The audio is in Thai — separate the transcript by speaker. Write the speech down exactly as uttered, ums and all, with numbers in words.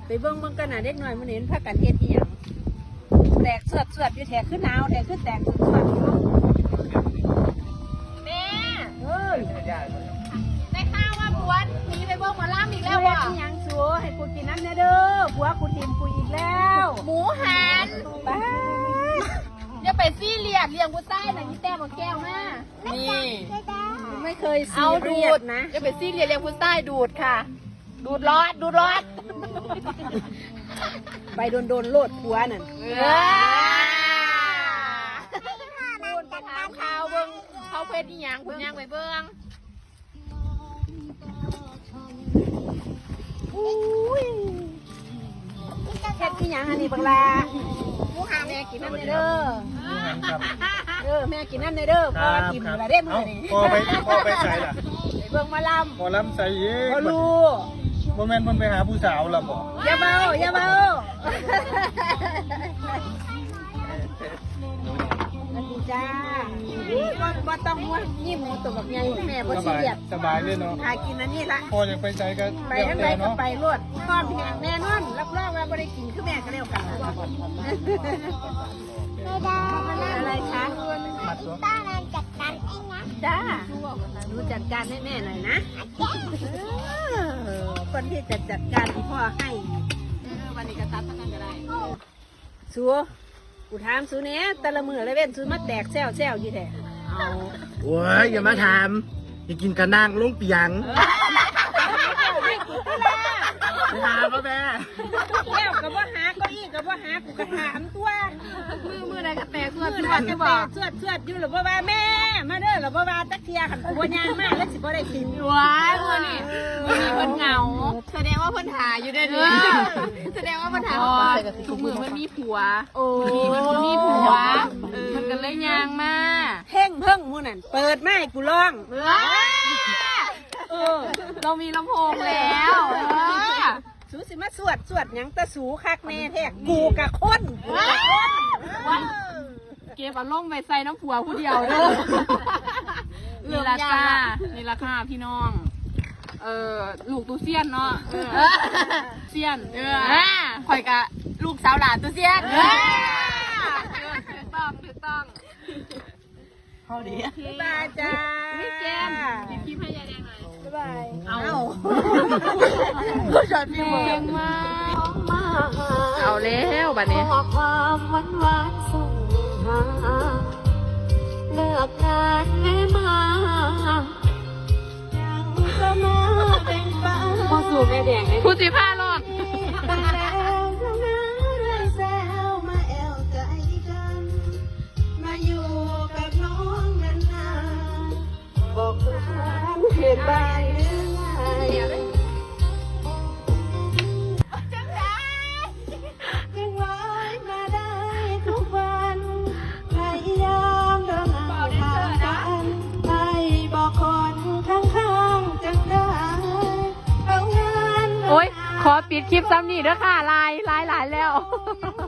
Speaker 1: ไปเบิ่งเบิ่งกันน่ะเด็กน้อยมันเห็นพากันเฮ็ดอีหยังแตกสวดสวดอยู่แถกขึ้นหนาวแถกขึ้นแตกสวดสวดแม่เอ้ยได้ข่าวว่าผัวหนีไปเบิ่งหมอลำอีกแล้วว่ะอีหยังสัวให้กูกินน้ำเด้อเด้อผัวกูทิมกูอีกแล้วหมูหันบ้าอย่าไปซี่เรียกเลี้ยงกูใต้น่ะนี่แต้มแก้วมานี่ไม่เคยซีเรียสนะอย่าไปซี่เรียกเลี้ยงกูใต้ดูดค่ะดูดรอดดูดรอดไปโดนโดนโลดผัวนั่นพูดไปถามข่าวเบิ้งเขาเพชรอีหยังคุณยังไปเบิ้งเพชรอีหยังอันนี้บังลาผู้หาแม่กินนั่นเด้อเออแม่กินนั่นเด้อพอกินอะไรได้มื้อนี้
Speaker 2: พอไปพอไปใส่ล่ะ
Speaker 1: ไปเบิ้งมาลำ
Speaker 2: พอลำใส่เย้
Speaker 1: พอรู้
Speaker 2: โมเมนต์มันไปหาผู้สาวละบ่
Speaker 1: อย่าเบาอย่าเบาสวัสดีจ้าบ่บ่ต้องมัวนี่หมูตัวแบบใหญ่แม่บ่
Speaker 2: ส
Speaker 1: ซี
Speaker 2: บาย
Speaker 1: เรียส
Speaker 2: สบายเลยเนาะ
Speaker 1: หากินอันนี้ละ
Speaker 2: พอยังไปใส่ก็
Speaker 1: ไปทั้งไรก็ไปรวดทอดแห้งแน่นอนรับรองว่าบ่ได้กินคือแม่ก็แล้วกันอะไรคะป้านันจัดการเองนะจ้าดูจัดการให้แม่หน่อยนะคนที่จะจัดการที่พ่อให้วันนี้ก็ตัดทั้งนั้นก็ได้สัวกูถามสูเนี้ยแต่ละมือเลยเว้นสูมาแตกแซวแซวยี่แท้เอา
Speaker 3: โอ้ยอย่ามาถามอย่ากินกระนางลุงเปียงไปหาพ่อแม่
Speaker 1: แล้วกับว่าหาเก้าอี้กับว่าหากูกระถามตัวมือมือใดก็แตกสวดสวดจะบอกสวดสวดอยู่หรือว่าแม่มาเด้อหรือว่าตักเทียขันกูว่ายางมากแล้วสิบ่ได้กิน
Speaker 4: ว้ายเพื่อนนี่มันมีเพื่อนเหงาแสดงว่าเพื่อนหาอยู่ได้ดีแสดงว่าเพื่อนหาทุกมือมันมีผัว
Speaker 1: โอ้
Speaker 4: มันมีผัวมันกันเลยยางมา
Speaker 1: เพ่งเพิ่งมูนั่นเปิดไม้กูร้องเออ
Speaker 4: เรามีลำโพงแล้ว
Speaker 1: สูสิมาสวดสวดยังตะสูคักแน่แท้กูกะคนกูกะคน
Speaker 4: เก็บอารมณ์ไปใส่น้ำผัวผู้เดียวเด้อนี่ราคานี่ราคาพี่น้อง เออลูกตูเซียนเนาะเซียนเออข่อยกะลูกสาวหลานตูเซียนถูกต้องถูกต้อง
Speaker 3: เขาดี
Speaker 1: บ๊ายบายจ้า
Speaker 4: พี่เจมหยิบคลิปให้ยายแดงหน่อย
Speaker 1: บ๊ายบาย
Speaker 4: เอา
Speaker 1: ผู้ชายพี่
Speaker 4: แด
Speaker 1: เมือง
Speaker 4: มากเอาแล้วบัดนี้
Speaker 5: ขอความหวานหวานส่งหาเลิกงานแม่มายังก็มาเป็นฟ้า
Speaker 4: พอสูบแม่แดงเลยพูดสิผ้ารอด
Speaker 5: แต่แล้วนะเรื่อยแซวมาแอวใจกันมาอยู่กับน้องนานๆบอกความเหตุใดหรือไม่ยังไว้มาได้ทุกวันพยายามเดินหน้าทางกันให้บอกคนข้างๆจังได้เอางาน
Speaker 4: โอ๊ยขอปิดคลิปซ้ำนี่เด้อค่ะลายลายหลายแล้ว
Speaker 5: เ